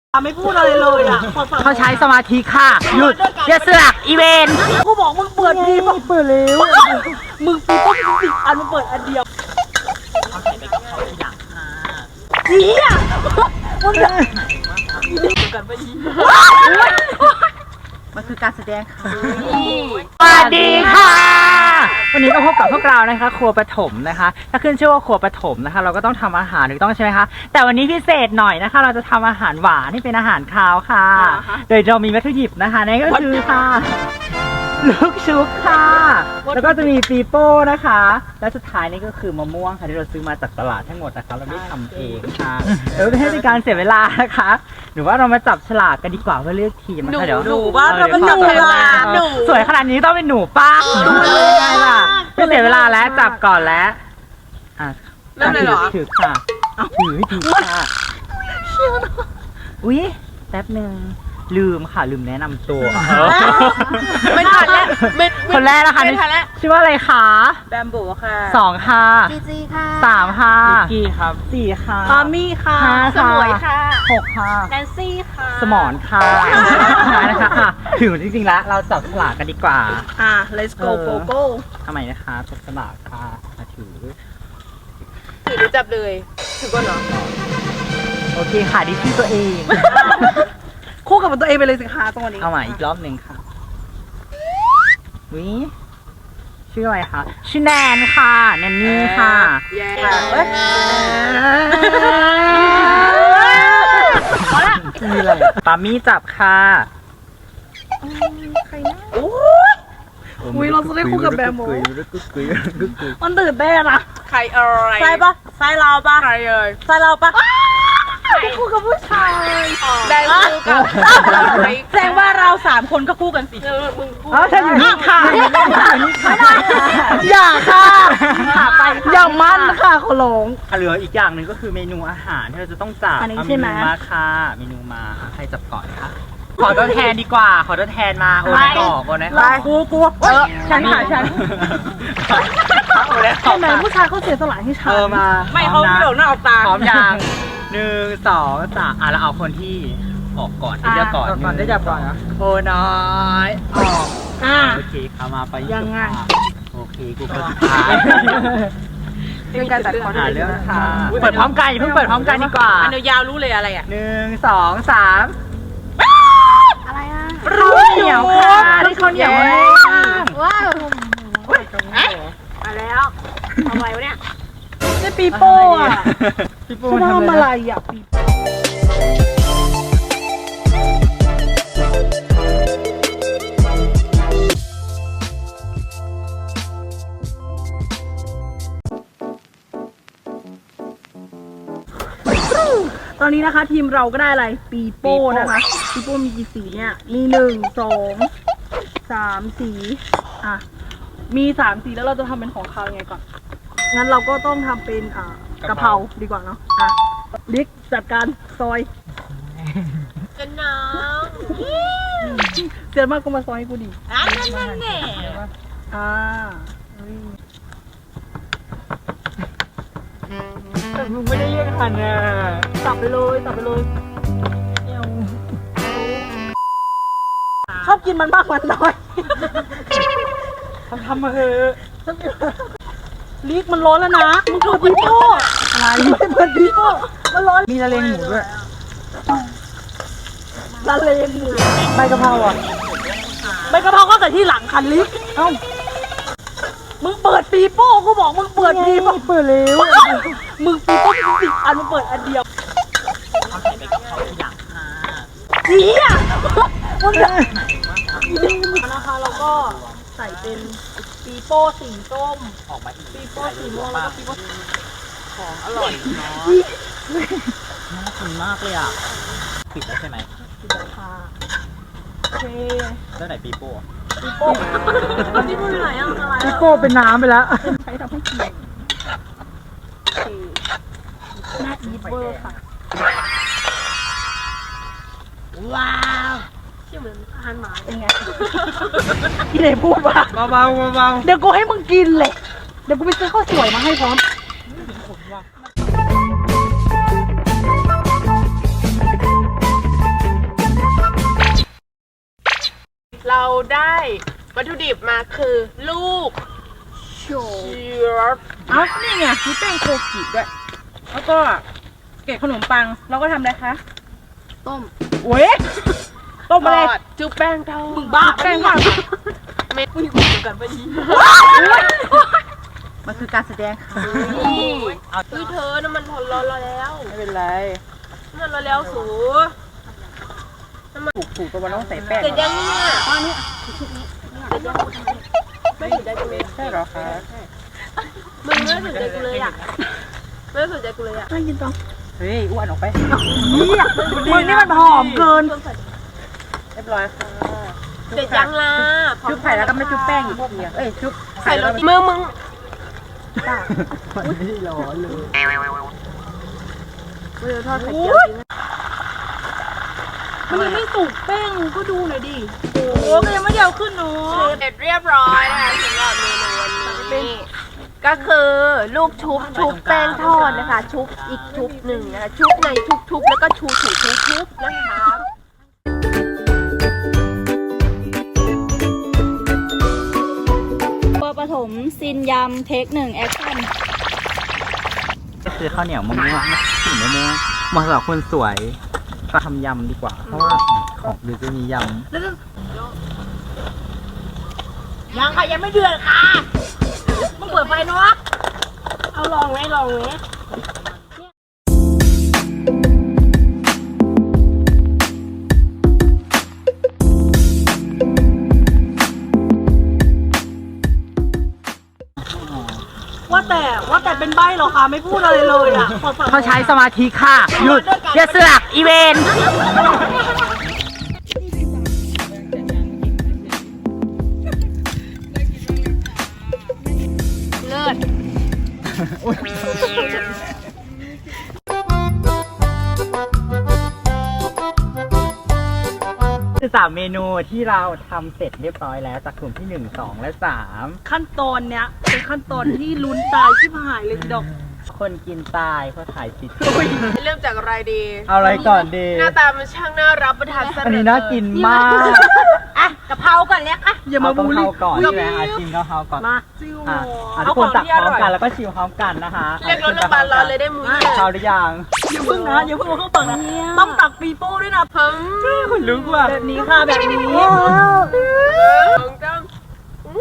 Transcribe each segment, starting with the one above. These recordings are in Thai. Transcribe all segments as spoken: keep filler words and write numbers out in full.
ไม่พูดอะไรเลยอ่ะเขาใช้สมาธิค่ะหยุดอย่าเสือกอีเวนกูบอกมึงเปิดดีมึงเปิดเร็วมึงปีต้องปิดอันมึงเปิดอันเดียวเขาใส่ไปกับเขาทีหลังค่ะเฮียมึงจะกันไปยิงมันคือการแสดงค่ะสวัสดีค่ะวันนี้ก็พบกับพวกเรานะคะครัวปฐมนะคะถ้าขึ้นชื่อว่าครัวปฐมนะคะเราก็ต้องทำอาหารถูกต้องใช่ไหมคะแต่วันนี้พิเศษหน่อยนะคะเราจะทำอาหารหวานที่เป็นอาหารคาวค่ะโดยเรามีวัตถุดิบนะคะนั่นก็คือค่ะลูกชุบค่ะแล้วก็จะมีปีโป้นะคะและสุดท้ายนี่ก็คือมะม่วงค่ะที่เราซื้อมาจากตลาดทั้งหมดนะคะเราไม่ทำเองค่ะเออไม่ให้เป็นการเสียเวลานะคะหรือว่าเรามาจับฉลากกันดีกว่าเพื่อเลือกทีมนะคะเดี๋ยวหนูว่าเราเป็นหนูหนูสวยขนาดนี้ต้องเป็นหนูป้าดูเลยไงล่ะไม่เสียเวลาแล้วจับก่อนแล้วอ่ะเริ่มเลยเหรอถือค่ะถือถือค่ะอุ้ยแป๊บนึงลืมค่ะลืมแนะนำตัวไม่ทันแล้วคนแรกนะคะไม่ทันแล้วชื่อว่าอะไรคะแบมบูค่ะสองค่ะจีจีค่ะสามค่ะนิกกี้ครับสี่ค่ะปามี่ค่ะสมวยค่ะหกค่ะแนนซี่ค่ะสมอนค่ะนะคะอ่ะถึงจริงๆแล้วเราจับฉลากกันดีกว่าอ่ะ let's go go go ทำไมนะคะจับฉลากค่ะมาถือถือหรือจับเลยถือก่อนเหรอโอเคค่ะดิชื่อตัวเองคู่กับตัวเองไปเลยสิคะตรงนี้เอาใหม่อีกรอบหนึ่งค่ะวิชื่ออะไรคะชื่อแนนค่ะแนนนี่ค่ะแย่พอละมีอะไรปามี่จับค่ะใครนะโอ้ยอุ้ยเราจะได้คู่กับแบมโมมันตื่นเต้นนะใครเอ่ยใช่ปะใช่เราปะใครเอ่ยใช่เราปะได้คู่กับผู้ชายได้คู่กับแสดงว่าเราสามคนก็คู่กันสิมึงคู่อ๋อฉันอยู่นี่ค่ะอย่าค่ะไปอย่ามั่นค่ะขอร้องเหลืออีกอย่างหนึ่งก็คือเมนูอาหารที่เราจะต้องจับอันนี้ใช่ไหมมาค่ะเมนูมาใครจับก่อนคะขอตัวแทนดีกว่าขอตัวแทนมาโอนให้ก่อนโอนให้ก่อนกูกูเออฉันค่ะฉันใช่ไหมผู้ชายเขาเสียสละให้ฉันเออมาไม่เขาไม่โดนหน้าออกตาพร้อมยังหนึ่งสองสามอ่ะแล้วเอาคนที่ออกก่อนที่จะก่อนก่อนได้จับก่อนนะโอ้น้อยออกอ่าโอเคเข้ามาไปยังไงโอเคกูคนสุดท้ายเป็นการจัดคอนเรื่องค่ะเปิดพร้อมกันอย่าเพิ่งเปิดพร้อมกันดีกว่าอันยาวรู้เลยอะไรอ่ะหนึ่งสองสามอะไรอ่ะรู้เหนียวค่ะที่เขาเหนียวมากว้าวมาแล้วทำอะไรวะเนี่ยนี่ปีโป้อะปีโป้ทำอะไรอ่ะปีตอนนี้นะคะทีมเราก็ได้อะไรปีโป้นะคะปีโป้มีกี่สีเนี่ยมีหนึ่งสองสามสีอ่ะมีสามสีแล้วเราจะทำเป็นของเขายังไงก่อนงั้นเราก็ต้องทำเป็นอ่ากะเพราดีกว่าเนาะอ่ะลิกจัดการซอยกันน้องเสียมากก็มาซอยให้กูดิอ่ะนั่นนั่นแน่อ่าแต่มึงไม่ได้เรียกทันอ่ะตับไปเลยตับไปเลยชอบกินมันมากมันน้อยทำทำมาเถอะลิกมันร้อนแล้วนะมึงเปิดปีโป้อะไรไม่เปิดปีโป้มันร้อนมีละเลงหมูด้วยละเลงหมูใบกะเพราอ่ะใบกะเพราก็เกิดที่หลังคันลิกเอ้ามึงเปิดปีโป้กูบอกมึงเปิดปีโป้เปิดเร็วมึงปีโป้ปิดอันมึงเปิดอันเดียวเขาใส่ไปกับเขาทีหลังค่ะเฮียมึงจะนะคะเราก็ใส่เป็นปีโป้สีส้มออกมาอีกปีโป้สีม่วงแล้วก็ปีโป้ของอร่อยเนาะน่ากินมากเลยอ่ะปิดแล้วใช่ไหมปิดแล้วค่ะโอเคแล้วไหนปีโป้ปีโป้ปีโป้ไหนอ่ะอะไรปีโป้เป็นน้ำไปแล้วใช้ทำให้เกลี่ยน่าอีเวอร์ค่ะว้าวที่เหมือนอาหารหมาเป็นไงที่ไหนพูดวะเบาเบาเบาเดี๋ยวกูให้มึงกินเลยเดี๋ยวกูไปซื้อข้าวสวยมาให้พร้อมเราได้วัตถุดิบมาคือลูกโชเชียร์เอ้านี่ไงมีแป้งโคกิด้วย แล้วก็เกล็ดขนมปัง เราก็ทำอะไรคะต้มโอ้ยต้มทอะไรอดจุ๊บแป้งทอดมึงบ้าแป้งบ้าเม็ดมึงคุยกันไปดีมันคือการแสดงค่ะนี่เฮ้ยเธอน้ำมันร้อนๆแล้วไม่เป็นไรน้ำมันร้อนแล้วสูถูกถูกตัวมันต้องใส่แป้งเสร็จยังเนี่ยตอนนี้ไม่ถึงใจกูเลยใช่เหรอคะมึงไม่ถึงใจกูเลยอ่ะไม่ถึงใจกูเลยอ่ะไม่กินต่อเฮ้ยอ้วนออกไปนี่มึงนี่มันหอมเกินเรียบร้อยค่ะเสร็จยังล่ะชุบไข่แล้วก็ไม่ชุบแป้งอีกทีอ่ะเอ้ยชุบใส่รถมือมึงมันไม่ได้ร้อนเลยมือทอดไข่เจียวจริงมันยังไม่สุกแป้งก็ดูหน่อยดิโอ้โหก็ยังไม่ได้เอาขึ้นเนาะเสร็จเรียบร้อยนะคะสำหรับเมนูวันนี้ก็คือลูกชุบชุบแป้งทอดนะคะ ชุบอีกชุบหนึ่งนะคะชุบในชุบๆแล้วก็ชูถูชุบชุบนะคะปอปฐมซินยำเทคหนึ่งแอคชั่นก็คือข้าวเหนียวมะม่วงถึงมะม่วงเหมาะสำหรับคนสวยก็ทำยำดีกว่า เพราะว่าของหรือจะมียำยังค่ะยังไม่เดือดค่ะมึงเปิดไฟเนาะเอาลองไหมลองไหมว่าแต่ว่าแต่เป็นใบเหรอคะไม่พูดอะไรเลยอ่ะขอฟังเขาใช้สมาธิค่ะ หยุดอย่าเสือกอีเวนเลิศคือสามเมนูที่เราทำเสร็จเรียบร้อยแล้วจากกลุ่มที่หนึ่งสองและสามขั้นตอนเนี้ยเป็นขั้นตอนที่ลุ้นตายที่หายเลยทีเดอกคนกินตายเพราะถ่ายผิดเริ่มจากอะไรดีเอาอะไรก่อนดีหน้าตามันช่างน่ารับประทานซะอันนี้น่ากินมากอ่ะกะเพราก่อนเล็กอ่ะอย่ามาเอบูลกะลี่เพราก่อนใช่ไหมอาชิมกะเพราก่อนมาจิ้วอ่ะอ่ะทุกคนตักพร้อมกันแล้วก็ชิมพร้อมกันนะคะเรียกรถโรงพยาบาลรอเลยได้มุ้ยข้าวหรือยังอย่าเพิ่งนะอย่าเพิ่งมาเข้าปังนะต้องตักปีโป้ด้วยนะเพิ่มคนลุกว่ะแบบนี้ค่ะแบบนี้ของจ้ำ Oh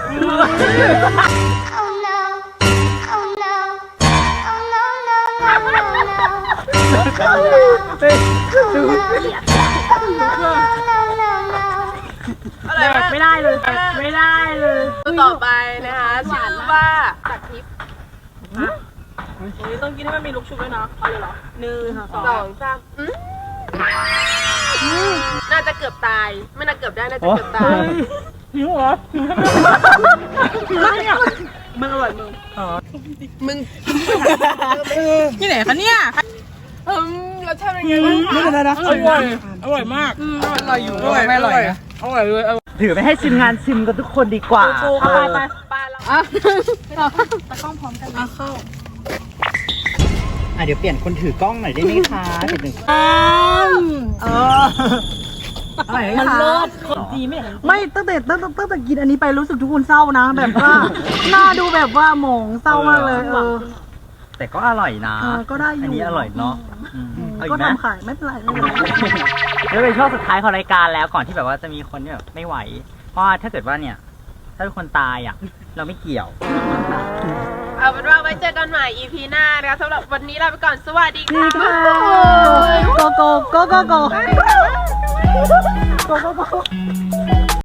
no, oh no, oh no, no, no, no, no. เฮ้ยดูอะไรแบวะบไม่ได้เลยแบบไม่ได้เลยตัวต่อไปนะคะชื่อว่าตัดทิพย์นี่ต้องกินให้มันมีลูกชุบด้วยนะเอาเลยเหรอหนึ่งสสออง งสามอืมน่าจะเกือบตาย ไม่น่าเกือบได้น่าจะเกือบตายหิวเหรอหิวเนี่ยมันอร่อยมึงมึงที่ไหนคะเนี่ยอืมรสชาติเป็นไงบ้างคะไม่เป็นไรนะอร่อยอร่อยมากอร่อยอยู่อร่อยไม่อร่อยนะอร่อยเลยถือไปให้ชิมงานชิมกันทุกคนดีกว่าเอาไปไปปลาแล้วอ่ะเดี๋ยวเปลี่ยนคนถือกล้องหน่อยได้ไหมคะเดี๋ยวหนึ่งเอออะไรมันเลิศคนจีไม่ไม่ตั้งแต่ตั้งแต่ตั้งแต่กินอันนี้ไปรู้สึกทุกคนเศร้านะ แบบว่าหน้าดูแบบว่าหมองเศร้ามากเลยเออแต่ก็อร่อยนะเออก็ได้อยู่อันนี้อร่อยเนาะอืมเอาอีก็กไหมทำขายไม่เป็นไรไม่เป็นไรแล้วเป็นช่วงสุดท้ายของรายการแล้วก่อนที่แบบว่าจะมีคนที่แบบไม่ไหว เพราะว่าถ้าเกิดว่าเนี่ย ถ้าเป็นคนตายอ่ะ เราไม่เกี่ยวเอาเป็นว่าไว้เจอกันใหม่ อี พี หน้านะคะสำหรับวันนี้ลาไปก่อนสวัสดีค่ะโกโก้โกโก้โกโกโกโกโก